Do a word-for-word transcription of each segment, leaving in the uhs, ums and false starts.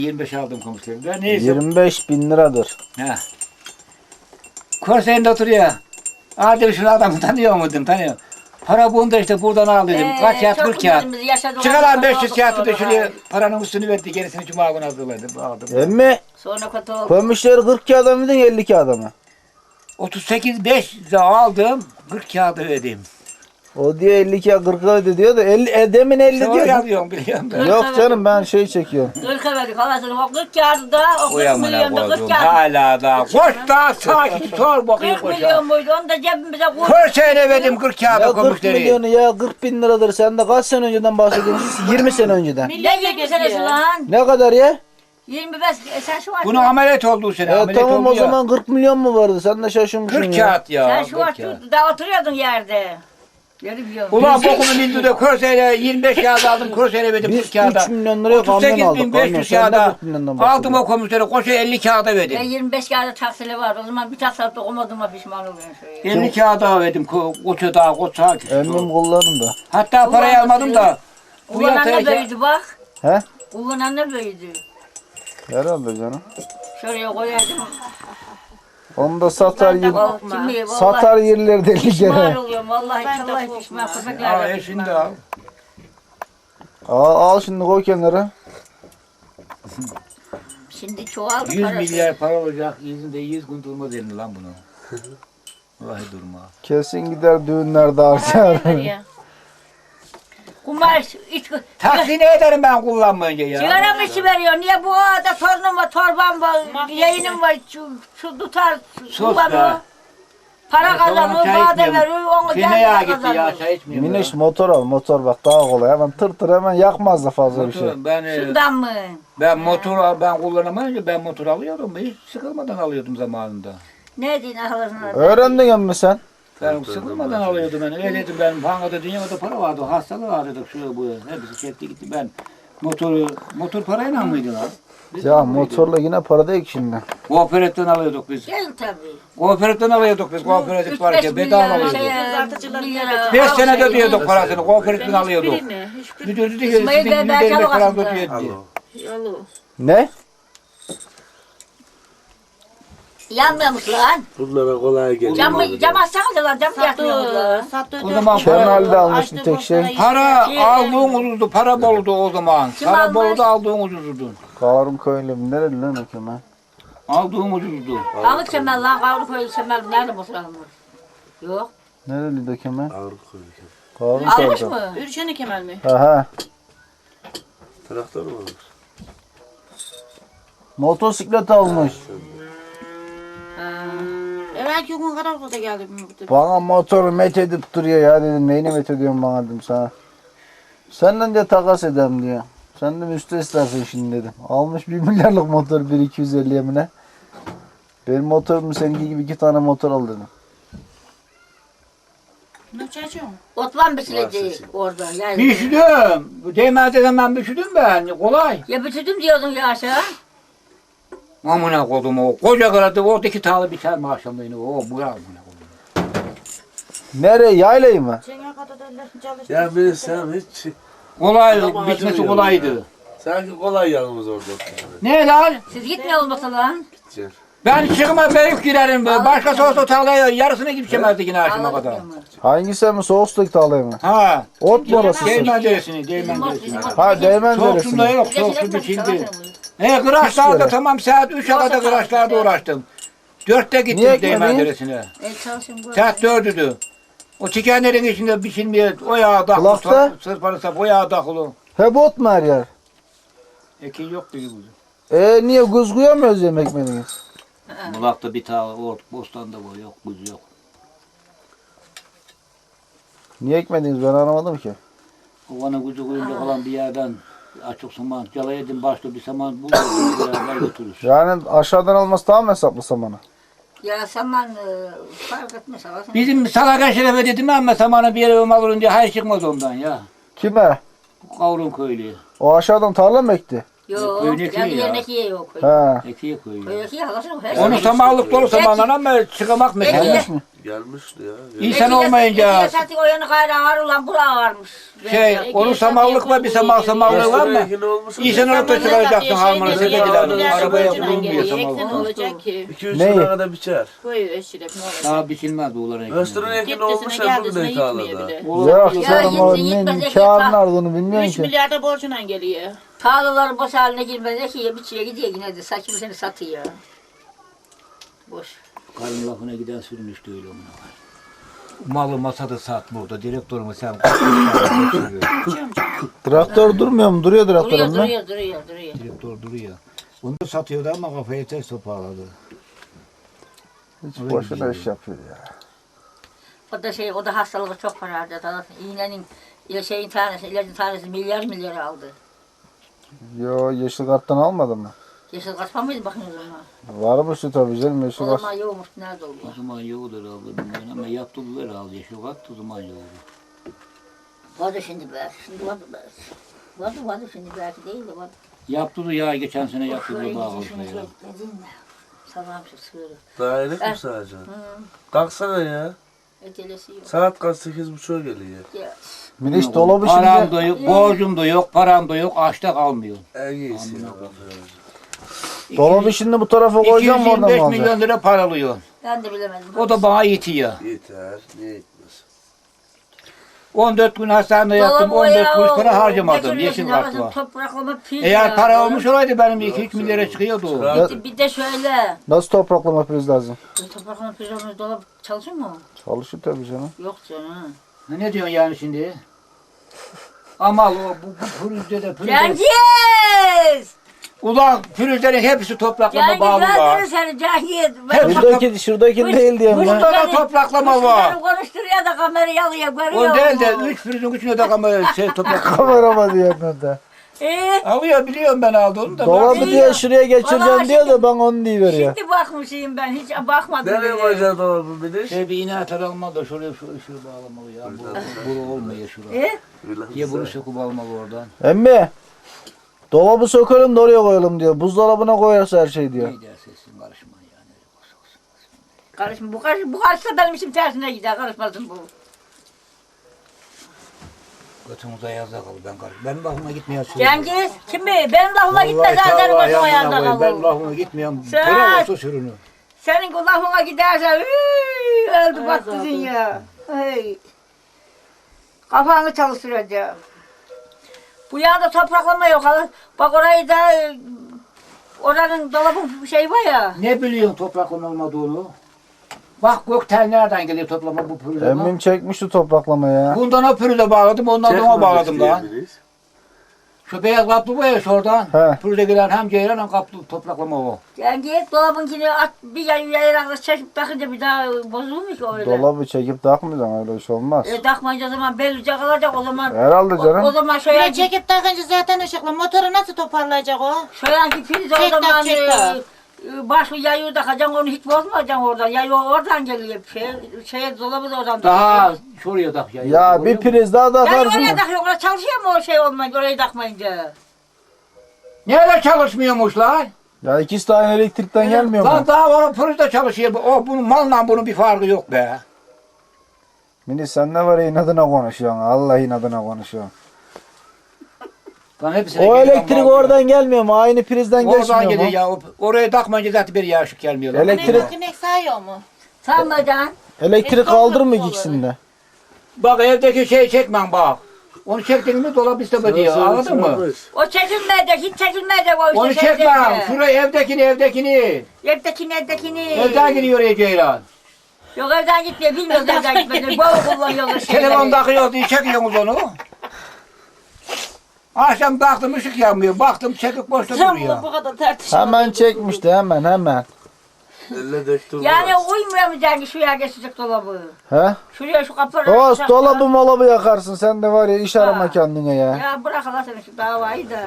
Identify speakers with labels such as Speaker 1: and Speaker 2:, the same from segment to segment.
Speaker 1: yirmi beş aldım komiserim. Neyse.
Speaker 2: yirmi beş bin liradır.
Speaker 1: He. Korsayında oturuyor. Aa dedim şunu adamı tanıyor muydun? Tanıyor. Para bunda işte buradan al dedim.
Speaker 3: Ee,
Speaker 1: Kaç kağıt?
Speaker 3: çok
Speaker 1: kırk kağıt.
Speaker 3: günlerimizi yaşadık,
Speaker 1: Çıkaran
Speaker 3: ondan
Speaker 1: beş yüz
Speaker 3: sonra
Speaker 1: kağıtı da
Speaker 3: oldu
Speaker 1: şuraya
Speaker 3: sonra.
Speaker 1: paranın üstünü verdi. Gerisini cuma günü hazırladım. Aldım.
Speaker 2: Emmi
Speaker 3: Sonra kötü oldu.
Speaker 2: koymuşları kırk kağıda mıydın elli kağıda mı?
Speaker 1: otuz sekiz beş aldım. kırk kağıdı ödedim.
Speaker 2: O diyor elli kağıt kırk öde diyor da elli, e, demin elli
Speaker 1: Sen
Speaker 2: diyor.
Speaker 1: yazıyorsun biliyorum ben.
Speaker 2: Yok canım ben şey çekiyorum.
Speaker 3: Kırka verdik havasını. O kırk kağıdı da o kırk
Speaker 1: Uyamına
Speaker 3: milyon da kırk
Speaker 1: koydum.
Speaker 3: kağıdı.
Speaker 1: Hala da. Koş da sakin sor bakayım
Speaker 3: kırk
Speaker 1: koşa.
Speaker 3: milyon muydu? Onu da cebimize koyduk.
Speaker 1: Korsayına verdim kırk
Speaker 2: Ya
Speaker 1: kağıdı
Speaker 2: kırk
Speaker 1: komiseri.
Speaker 2: milyonu ya kırk bin liradır. Sen de kaç sene önceden bahsediyorsun? yirmi sene önceden.
Speaker 3: Ne yirmi senesi lan?
Speaker 2: Ne kadar ya?
Speaker 3: yirmi beş. E sen şu var.
Speaker 1: Bunun ameliyat olduğu sene.
Speaker 2: E,
Speaker 1: ameliyat
Speaker 2: tamam
Speaker 1: oldu
Speaker 2: o
Speaker 1: ya.
Speaker 2: zaman kırk milyon mu vardı? Sen de şaşırmışsın
Speaker 1: kırk
Speaker 2: ya.
Speaker 1: kağıt ya.
Speaker 3: Sen şu var.
Speaker 1: kırk kağıt.
Speaker 3: Da oturuyordun yerde. Yeri biliyorum.
Speaker 1: Ulan bokumu bildi de Korsayla yirmi beş kağıt aldım. Korsayla verdim
Speaker 2: Biz
Speaker 1: kırk kağıda.
Speaker 2: üç milyon liraya kamyon
Speaker 1: otuz sekiz bin
Speaker 2: aldık.
Speaker 1: beş
Speaker 2: Kamyon.
Speaker 1: yüz
Speaker 2: Sen de
Speaker 1: kağıda
Speaker 2: kırk milyondan
Speaker 1: aldım
Speaker 2: bahsediyorsun.
Speaker 1: o komiseri. Koşa elli kağıda
Speaker 3: Ben
Speaker 1: verdim.
Speaker 3: yirmi beş kağıda taksili var. O zaman bir taksitle okumadığıma pişman oluyorum. Şöyle.
Speaker 1: elli kağıda verdim. Ko- Koça daha koça.
Speaker 2: Emmim kullanın da.
Speaker 1: Hatta parayı
Speaker 3: Kullanması
Speaker 1: almadım da. Bu
Speaker 3: Kullanan
Speaker 1: yataya
Speaker 3: da büyüdü bak.
Speaker 2: He?
Speaker 3: Kullanan da büyüdü.
Speaker 2: Herhalde canım.
Speaker 3: Şuraya koyardım.
Speaker 2: Onu da satar yer,
Speaker 3: Vallahi, kimi, vallahi
Speaker 2: satar yerler deli
Speaker 3: pişman
Speaker 2: kere.
Speaker 3: oluyorum. Vallahi vallahi pişman.
Speaker 1: Aa,
Speaker 3: Köpekler de
Speaker 1: e şimdi
Speaker 3: pişman.
Speaker 1: al.
Speaker 2: Al, al şimdi koy kenara.
Speaker 3: Şimdi çoğaldı
Speaker 1: yüz
Speaker 3: parası.
Speaker 1: milyar para olacak. Yüzünde yüz gün durmaz elini lan bunu. Vallahi durma.
Speaker 2: Kesin gider düğünlerde harcar.
Speaker 3: Kumar iç
Speaker 1: Taksini ederim ben kullanmayınca ya.
Speaker 3: sigara mı içi veriyor? Niye bu arada torunum var, torbam var, yayınım var, şu, şu tutar,
Speaker 1: Sus
Speaker 3: kullanıyor.
Speaker 1: be.
Speaker 3: Para
Speaker 1: Ben sabah
Speaker 3: kazanıyor,
Speaker 1: çay
Speaker 3: bana
Speaker 1: içmiyorum.
Speaker 3: veriyor, onu
Speaker 1: Kime yağ
Speaker 3: kendine
Speaker 1: gitti ya
Speaker 3: kazanıyor.
Speaker 1: çay içmiyorum.
Speaker 2: Miniş motor al motor bak daha kolay. Hemen tır tır hemen yakmaz da fazla bir şey.
Speaker 1: Motor, ben, e,
Speaker 3: Şundan mı?
Speaker 1: ben motor ben kullanamayınca ben motor alıyordum. Hiç sıkılmadan alıyordum zamanında.
Speaker 3: Ne diyeyim ahlasına?
Speaker 2: Öğrendin mi sen?
Speaker 1: Ben sıkılmadan alıyordum ben. Öyleydim ben. Bankada dünyada para vardı. Hastalığı vardı. Şu bu. Hepsi çekti gitti. Ben motoru motor parayla mıydı lan? Biz
Speaker 2: Ya
Speaker 1: de mıydı?
Speaker 2: motorla yine para değil ki şimdi.
Speaker 1: Kooperatiften alıyorduk biz.
Speaker 3: Gel tabii.
Speaker 1: Kooperatiften alıyorduk biz. Kooperatif
Speaker 3: Üç
Speaker 1: varken
Speaker 3: beş
Speaker 1: bedava
Speaker 3: milyar
Speaker 1: alıyorduk.
Speaker 3: şey, milyara
Speaker 1: Beş
Speaker 3: al
Speaker 1: sene
Speaker 3: şey,
Speaker 1: ödüyorduk parasını. Kooperatiften alıyorduk. Müdür dedi ki
Speaker 3: İsmail
Speaker 1: sizin
Speaker 3: Bey,
Speaker 1: yüzde
Speaker 3: ben
Speaker 1: elli
Speaker 3: çalı
Speaker 1: falan
Speaker 3: kazandım.
Speaker 1: ödüyor diye.
Speaker 2: Ne?
Speaker 3: Yanmıyormuş lan.
Speaker 4: Bunlara kolay geliyor.
Speaker 3: Cam, cam açsanıza lan, cam yakmıyormuş lan.
Speaker 1: O zaman
Speaker 2: Kemal
Speaker 1: para,
Speaker 2: de almış bir tek şey.
Speaker 1: para aldığın ucuzdu. Para boldu o zaman.
Speaker 3: Kim
Speaker 1: Para
Speaker 3: almış?
Speaker 1: boldu aldığın ucuzdu.
Speaker 2: Karun köylü mü? Nereli lan o Kemal?
Speaker 1: Aldığın ucuzdu.
Speaker 3: Alık Kemal lan, kavru koyu Kemal nerede boşalmış? Yok.
Speaker 2: Nereli de Kemal?
Speaker 4: Ağır koyuyor.
Speaker 2: Karun
Speaker 3: Almış
Speaker 2: köylü.
Speaker 3: mı?
Speaker 5: Ürüşeni Kemal mi?
Speaker 2: Ha ha.
Speaker 4: Traktör mü olur?
Speaker 2: Motosiklet almış.
Speaker 5: Evvelki gün Karakol'da geldim.
Speaker 2: Bana motoru met edip duruyor ya dedim. Neyini met ediyorsun bana dedim sana. Senden de takas edem diyor. Sen de müste istersen şimdi dedim. Almış bir milyarlık motor bir iki yüz elli yemine. Benim motorum seninki gibi iki tane motor al dedim.
Speaker 5: Ne çaycığım?
Speaker 3: Otlan biçilecek orada. Yani.
Speaker 1: Piştim. Değmezden ben piştim ben. Kolay.
Speaker 3: Ya bitirdim diyordun ya aşağı.
Speaker 1: Amına kodum o. Koca karadı oradaki tağlı biter mi akşamleyin o. Bu ya amına kodum.
Speaker 2: Nereye? Yaylayı mı?
Speaker 5: Çengel kadar çalıştım.
Speaker 4: Ya ben sen hiç
Speaker 1: Kolay.
Speaker 4: Adam
Speaker 1: Bitmesi
Speaker 4: acımıyor
Speaker 1: kolaydı.
Speaker 4: sanki kolay yalnız orada oturuyor.
Speaker 1: Ne lan?
Speaker 3: Siz gitmiyor olmasa lan.
Speaker 4: Gideceksin.
Speaker 1: Ben çıkma büyük girerim.
Speaker 3: Ağlar
Speaker 1: Başkası olsa
Speaker 3: mı?
Speaker 1: tarlaya yarısını gidemezdi yine akşama kadar.
Speaker 3: Ağladık mı?
Speaker 2: Hangisi mi? Soğustaki tağlayı mı?
Speaker 1: Ha.
Speaker 2: Ot mu orası?
Speaker 1: Değmen deresini. Değmen deresini.
Speaker 2: Ha değmen
Speaker 1: Soğuk
Speaker 2: deresi
Speaker 1: sunda
Speaker 2: mi?
Speaker 1: yok. Soğuk su biçildi. He kıraçlarda
Speaker 2: yere.
Speaker 1: tamam saat üçe kadar kıraçlarda uğraştım. Dörtte gittim
Speaker 2: Niye
Speaker 1: Değmen
Speaker 2: gitmedin?
Speaker 1: deresine.
Speaker 3: E çalışın bu.
Speaker 1: Saat dördüydü. O çikenlerin içinde biçilmeye o yağa dahulu.
Speaker 2: Kulakta?
Speaker 1: Sırpanı sap o yağa dahulu.
Speaker 2: Hep ot mu her yer?
Speaker 1: Ekin yok dedi bu.
Speaker 2: E niye kuz koyamıyoruz yemek menüyüz?
Speaker 1: Bulakta bir tane ort, bostanda var yok, buz yok.
Speaker 2: Niye ekmediniz ben anlamadım ki.
Speaker 1: Ovanın kuzu kuyunda falan bir yerden açık saman, cala edin başta bir saman buluruz, beraber götürürüz.
Speaker 2: Yani aşağıdan alması daha mı hesaplı samanı?
Speaker 3: Ya saman e, fark etmez. Havasın.
Speaker 1: Bizim Salaka Şeref'e dedim ama samanı bir yere alırım diye hayır çıkmaz ondan ya.
Speaker 2: Kime?
Speaker 1: Kavrun köylüye.
Speaker 2: O aşağıdan tarla mı ekti?
Speaker 3: Yok,
Speaker 1: Köyün ekiği
Speaker 3: kendi
Speaker 1: ya.
Speaker 3: yerine ekiye yok.
Speaker 2: Ha.
Speaker 1: Ekiye koyuyor.
Speaker 3: Köy ekiye halasın.
Speaker 1: Onu samanlık dolu samanlar ama çıkamak mesela.
Speaker 2: Gelmiş mi?
Speaker 4: Gelmişti ya.
Speaker 1: İnsan olmayınca
Speaker 3: Ekiye o yanı gayrı ağır ulan bura ağırmış.
Speaker 1: şey, onun samanlık var bir saman samanlığı var mı? İnsan olup da çıkaracaksın harmanı dediler. Arabaya vurulmuyor
Speaker 5: Eksen
Speaker 1: samanlık.
Speaker 5: olacak ki.
Speaker 4: iki üç
Speaker 2: Neyi?
Speaker 4: lira kadar biçer.
Speaker 5: Koy eşirek ne olacak.
Speaker 1: Daha biçilmez buğuların ekmeği.
Speaker 4: Östürün ekin olmuş
Speaker 5: Gitmesine
Speaker 4: ya
Speaker 5: geldisine
Speaker 4: bugün
Speaker 5: yitmiyor
Speaker 4: ekalada.
Speaker 5: bile.
Speaker 2: Yok
Speaker 3: Ya
Speaker 2: canım o
Speaker 3: yetsin,
Speaker 2: ne
Speaker 3: yetmez,
Speaker 2: kârın
Speaker 3: yetmez.
Speaker 2: ardını bilmiyorsun
Speaker 5: üç
Speaker 2: ki.
Speaker 5: milyarda borcuna geliyor.
Speaker 3: Tarlaları boş haline girmez. Ekiye biçiye gidiyor yine de saçımı seni satıyor. Boş.
Speaker 1: Karın lafına giden sürünüştü öyle ona var. Malı masada sat burada. Direktörümü sen
Speaker 2: Traktör durmuyor mu? Duruyor
Speaker 3: Duruyor
Speaker 2: traktörün mü?
Speaker 3: duruyor duruyor duruyor.
Speaker 1: Direktör duruyor. Onu da satıyordu ama kafayı ters toparladı.
Speaker 2: Hiç boşuna iş yapıyor ya.
Speaker 3: O da şey, o da hastalığı çok para harcadı. İğnenin, ile şeyin tanesi, ilacın tanesi milyar milyar aldı.
Speaker 2: Yo yeşil karttan almadın mı?
Speaker 3: Yeşil kaçma mıydı bakın o zaman?
Speaker 2: Varmıştı tabii canım yeşil
Speaker 3: O
Speaker 2: kart.
Speaker 3: zaman yokmuş, nerede
Speaker 1: O
Speaker 3: oluyor?
Speaker 1: zaman yoktur abla bilmiyorum ama yaptılar aldı. Yeşil kalktı o zaman yoktu.
Speaker 3: Vardı şimdi belki, şimdi vardı belki. Vardı vardı şimdi belki değil de vardı.
Speaker 1: Yaptılar ya geçen sene yaptılar
Speaker 3: Şuraya
Speaker 1: bağlı.
Speaker 3: gidişini bekledin mi? Salam şu sığırı.
Speaker 4: Daha iyilik mi sadece? Kalksana ya.
Speaker 3: Ecelesi yok.
Speaker 4: Saat kaç sekiz buçuğa geliyor.
Speaker 3: Ya,
Speaker 2: Miniş dolabı
Speaker 1: Param
Speaker 2: şimdi.
Speaker 1: da yok, borcum da yok, param da yok, açta kalmıyor.
Speaker 4: En iyisi ya.
Speaker 2: Dolabı şimdi bu tarafa koyacağım mı oradan mı
Speaker 1: iki yüz yirmi beş
Speaker 2: alacaksın?
Speaker 1: milyon lira paralıyor.
Speaker 3: ben de bilemedim.
Speaker 1: O da bana yetiyor.
Speaker 4: Yeter. Niye gitmez?
Speaker 1: on dört gün hastanede yattım,
Speaker 3: Dolabı
Speaker 1: on dört
Speaker 3: ya,
Speaker 1: kuruş
Speaker 3: o-
Speaker 1: para harcamadım.
Speaker 3: götürüyorsun,
Speaker 1: Yeşil
Speaker 3: arasın
Speaker 1: kart var.
Speaker 3: Topraklama pil
Speaker 1: Eğer
Speaker 3: ya.
Speaker 1: para olmuş olaydı benim iki üç milyara çıkıyordu o.
Speaker 4: Çıkar.
Speaker 3: Bir- Bir de şöyle.
Speaker 2: Nasıl topraklama priz lazım?
Speaker 3: Topraklama pil dolap çalışır mı?
Speaker 2: Çalışır tabii canım.
Speaker 3: Yok canım.
Speaker 1: Ha, ne diyorsun yani şimdi? Ama o bu, bu pürüzde de pürüzde.
Speaker 3: Cengiz!
Speaker 1: Ulan pürüzlerin hepsi topraklama
Speaker 3: Cengiz
Speaker 1: bağlı
Speaker 3: ben
Speaker 1: var.
Speaker 3: seni Cengiz.
Speaker 1: Hep-
Speaker 2: Şuradaki, şuradaki
Speaker 3: Kuş-
Speaker 2: değil diyorum
Speaker 3: kuş-
Speaker 2: ya.
Speaker 1: Bunda da topraklama var.
Speaker 3: Beni konuşturuyor da kamerayı alıyor, görüyor
Speaker 1: O değil de
Speaker 3: musun?
Speaker 1: üç pürüzün üçüne de kamera şey topraklama.
Speaker 2: Kamerama diyorum da.
Speaker 3: Ee,
Speaker 1: Alıyor biliyorum ben aldığını da.
Speaker 2: Dolabı
Speaker 1: bak-
Speaker 2: diye şuraya geçireceğim
Speaker 3: Vallahi
Speaker 2: diyor da ben onu diye veriyor.
Speaker 3: şimdi bakmışım ben, hiç bakmadım
Speaker 4: Nereye
Speaker 3: bile.
Speaker 4: koyacaksın dolabı bir de?
Speaker 1: Şey bir iğne atar alma da şuraya şu ışığı bağlamalı ya. Bu, bu olmuyor şurada.
Speaker 3: Ee,
Speaker 1: Diye bunu söküp almalı oradan.
Speaker 2: Emmi. Dolabı sökelim de oraya koyalım diyor. Buzdolabına koyarsa her şey diyor.
Speaker 1: Ne derse etsin karışma yani.
Speaker 3: karışma, bu karışma, bu karışsa benim işim tersine gider, karışmasın bu.
Speaker 1: Götümüze yazda kalır ben karış. Benim lafıma gitmiyor.
Speaker 3: Cengiz, kim mi? Benim lafıma gitmez, senin başıma yanında
Speaker 1: Ben
Speaker 3: kalır.
Speaker 1: lafıma gitmiyorum.
Speaker 3: Sen-
Speaker 1: Bırak olsa sürünü.
Speaker 3: Senin lafına giderse, üüüü, öldü baktın ya. Hey. Kafanı çalıştıracağım. Bu yanda topraklama yok. Bak orayı da, e, oranın dolabın şey var ya.
Speaker 1: Ne biliyorsun topraklama olmadığını? Bak gökten nereden geliyor toplama bu pürüze?
Speaker 2: Emmim çekmişti topraklamayı ya.
Speaker 1: Bundan o pürüze bağladım, ondan da ona bağladım da.
Speaker 4: Çekmemiş
Speaker 1: Şu beyaz kaplı var ya şuradan.
Speaker 2: He.
Speaker 1: Pürüze gelen hem ceylan hem kaplı topraklama o.
Speaker 3: Cengiz dolabınkini at, bir yay yayarakla çekip takınca bir daha bozulur mu ki öyle?
Speaker 2: Dolabı çekip takmayacaksın öyle iş olmaz.
Speaker 3: E takmayınca o zaman bellice kalacak o zaman.
Speaker 2: Herhalde
Speaker 3: O, o
Speaker 2: canım.
Speaker 3: zaman
Speaker 5: Bir
Speaker 3: şöyle
Speaker 5: de çekip takınca zaten ışıklı. Motoru nasıl toparlayacak o?
Speaker 3: şöyle priz o
Speaker 5: Çek tak,
Speaker 3: zaman
Speaker 5: çek
Speaker 3: e,
Speaker 5: tak.
Speaker 3: e, başlı yayı takacaksın onu hiç bozmayacaksın oradan. Yayı oradan geliyor. Şey, şeye dolabı da oradan.
Speaker 1: Daha şuraya tak ya.
Speaker 2: Ya bir priz daha
Speaker 3: Yani
Speaker 2: takarsın.
Speaker 3: oraya takıyor, oraya çalışıyor mu o şey olmayınca, orayı takmayınca?
Speaker 1: Nerede çalışmıyormuş lan?
Speaker 2: Ya ikisi de aynı elektrikten gelmiyor
Speaker 1: Lan
Speaker 2: mu?
Speaker 1: daha var pürüzde çalışıyor. O bunun malla bunun bir farkı yok be.
Speaker 2: Mini sen ne var ya inadına konuşuyorsun. Allah inadına konuşuyorsun.
Speaker 1: Lan hepsine
Speaker 2: O
Speaker 1: geliyor,
Speaker 2: elektrik
Speaker 1: mal
Speaker 2: oradan gelmiyor mu? Aynı prizden
Speaker 1: Oradan
Speaker 2: geçmiyor
Speaker 1: geliyor
Speaker 2: mu?
Speaker 1: ya. o- Oraya takmayınca zaten bir yağışık gelmiyor. lan.
Speaker 2: Elektrik-
Speaker 5: Güneş sayıyor mu?
Speaker 3: Sanmadan.
Speaker 2: Elektrik kaldırmıyor ikisini de.
Speaker 1: Bak evdeki şeyi çekmem bak. Onu çektin mi dolap isteme diyor. Anladın mı?
Speaker 3: O çekilmeyecek, hiç çekilmeyecek o işte.
Speaker 1: Onu
Speaker 3: şey
Speaker 1: çekmem.
Speaker 3: çekecek.
Speaker 1: Şuraya evdekini evdekini.
Speaker 3: Evdekini, evdekini.
Speaker 1: Evden gidiyor oraya Ceylan.
Speaker 3: Yok evden gitmiyor, bilmiyoruz evden gitmediğini. Bol kullanıyorlar şeyleri.
Speaker 1: Telefon takıyor diye çekiyorsunuz onu. Akşam baktım ışık yanmıyor. Baktım çekik boşta
Speaker 5: Tam
Speaker 1: duruyor.
Speaker 5: bu kadar tartışma.
Speaker 2: Hemen çekmişti hemen hemen.
Speaker 4: Elle döktü.
Speaker 3: Yani uymuyor mu Cengiz şuraya geçecek dolabı?
Speaker 2: He?
Speaker 3: Şuraya şu kapıları.
Speaker 2: O
Speaker 3: açacak
Speaker 2: dolabı
Speaker 3: falan.
Speaker 2: molabı yakarsın. Sen de var ya iş arama
Speaker 3: Ha.
Speaker 2: kendine ya.
Speaker 3: Ya bırak Allah seni şu davayı da.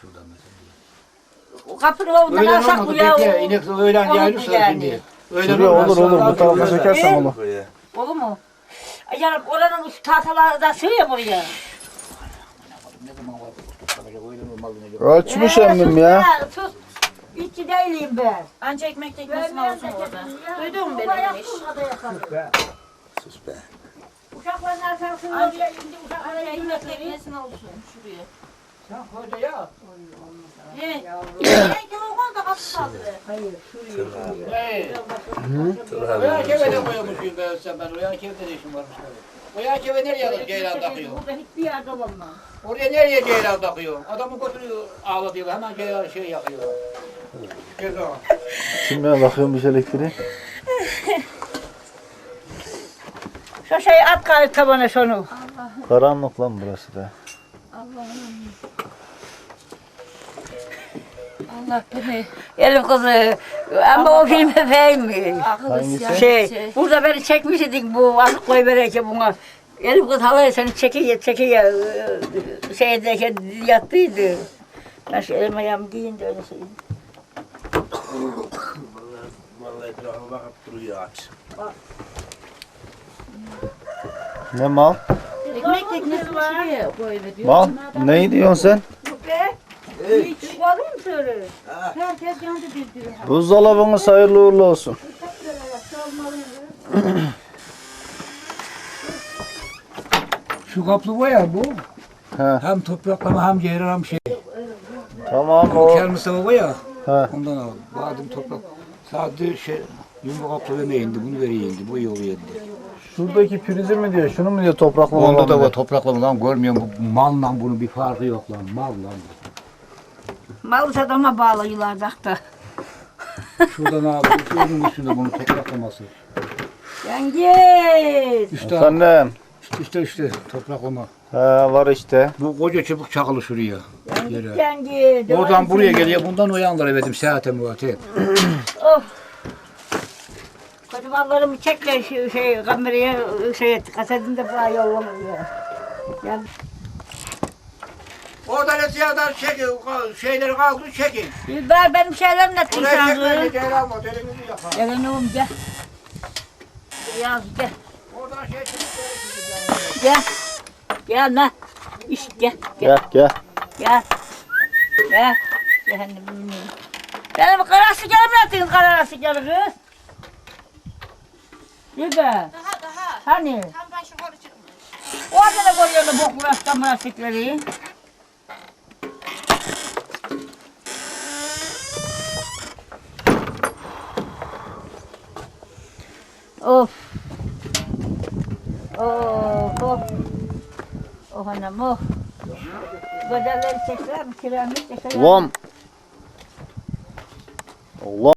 Speaker 3: O kapıyı ondan
Speaker 1: Öğlen
Speaker 3: alsak bu
Speaker 1: olmadı
Speaker 3: ya.
Speaker 1: peki.
Speaker 3: o-
Speaker 1: İnek öğlen
Speaker 3: olur mu
Speaker 1: yayılırsa
Speaker 3: yani?
Speaker 1: şimdi. Öğlen
Speaker 2: Şuraya
Speaker 1: olmaz,
Speaker 2: olur olur
Speaker 1: sonra
Speaker 2: bu tarafa
Speaker 1: akşam
Speaker 2: çekersen
Speaker 3: Ee?
Speaker 2: olur.
Speaker 3: Olur mu? Ay Yani oranın şu tahtalar da sığıyor mu oraya?
Speaker 1: Ne zaman var bu toplamayacak, öğlen olmaz. malını.
Speaker 2: Ölçmüş emmim ya.
Speaker 3: Sus. İçi değilim ben.
Speaker 5: Anca ekmek tekmesini alsın orada. Duydun mu beni demiş.
Speaker 4: Sus be.
Speaker 3: Uşakların arkasında
Speaker 5: Anca
Speaker 3: oraya indi. Uşaklara
Speaker 5: ekmek
Speaker 3: yemek
Speaker 5: tekmesini alsın şuraya.
Speaker 1: Sen koca ya.
Speaker 5: He. İçine kilogol da kapı saldı.
Speaker 3: Hayır, şuraya.
Speaker 1: Hey.
Speaker 4: Dur
Speaker 1: O
Speaker 4: abi.
Speaker 1: yan kevede koymuşum ben sen ben. O yan kevede de işim varmış. O yan keve nereye alır ceylan takıyor?
Speaker 3: Burada hiçbir yerde olmaz.
Speaker 1: Oraya nereye ceylan takıyor? Adamı götürüyor ağlatıyorlar. Hemen ceylan şey yakıyorlar. Ceza.
Speaker 2: Şimdi ben bakıyormuş elektriği.
Speaker 3: Şu şeyi at kayıt tabana şunu.
Speaker 2: Karanlık lan burası da.
Speaker 5: Allah beni.
Speaker 3: Elim kızı. Ama o film efendim.
Speaker 2: Hangisi?
Speaker 3: Şey, burada beni çekmiş idik bu azık koy vereke buna. Elim kız halaya seni çekiyor çekiyor. Şeydeyken yattıydı. Ben şu elime ayağımı giyin de öyle şey.
Speaker 4: Vallahi etrafa bakıp duruyor aç.
Speaker 2: Ne mal?
Speaker 5: Ekmek teknesini şuraya koyuver.
Speaker 2: Mal? Ne diyorsun sen?
Speaker 3: Yok be. Hiç alayım söyle.
Speaker 5: Herkes yandı bir diyor.
Speaker 2: Buzdolabınız hayırlı uğurlu olsun.
Speaker 1: Şu kaplı var ya bu.
Speaker 2: He.
Speaker 1: Hem topraklama hem ceyran hem şey.
Speaker 2: Tamam
Speaker 1: O
Speaker 2: o.
Speaker 1: kel Mustafa var ya.
Speaker 2: He.
Speaker 1: Ondan al. Badım toprak. Sadece şey yumru kaplı vermeye indi. Bunu veriyor indi. Bu yolu indi.
Speaker 2: Şuradaki prizi mi diyor? Şunu mu diyor topraklama?
Speaker 1: Onda da
Speaker 2: var.
Speaker 1: var topraklama lan görmüyorum. Bu malla bunun bir farkı yok lan. Mal lan.
Speaker 3: Mal adama bağlıyorlar da.
Speaker 1: Şurada ne yapıyor? Şunun üstünde bunun topraklaması.
Speaker 3: Cengiz.
Speaker 1: İşte,
Speaker 2: Efendim.
Speaker 1: işte işte işte topraklama.
Speaker 2: He var işte.
Speaker 1: Bu koca çubuk çakılı şuraya. Yere.
Speaker 3: Cengiz.
Speaker 1: Oradan buraya geliyor. Bundan o yanlara verdim. Saate muate.
Speaker 3: Of. Kocamanlarımı çekler şey, şey kameraya şey et. Kasetinde bana yollamıyor. Yani
Speaker 1: Oradan eskiyadan çekin. Şeyleri kaldı çekin.
Speaker 3: ben benim şeylerim ne
Speaker 1: Buraya
Speaker 3: tırsandı.
Speaker 1: çekmeyin. Ceylan motelimizi yapar.
Speaker 3: Gel oğlum gel. Gel gel.
Speaker 1: Oradan şey çıkıp
Speaker 3: Gel. Gel lan. İşte gel.
Speaker 2: Gel gel.
Speaker 3: Gel. Gel. Cehennemin. Benim kara sigarım yaptın kara sigarı kız. Yürü.
Speaker 5: Daha daha.
Speaker 3: Hani?
Speaker 5: Tam başı yukarı çıkmış.
Speaker 3: Orada da koyuyorlar boklu rasta münasipleri. Of. Of of. Oh anam oh. Bedelleri çekler mi? Kiramı çekler mi?
Speaker 2: Ulan. Allah.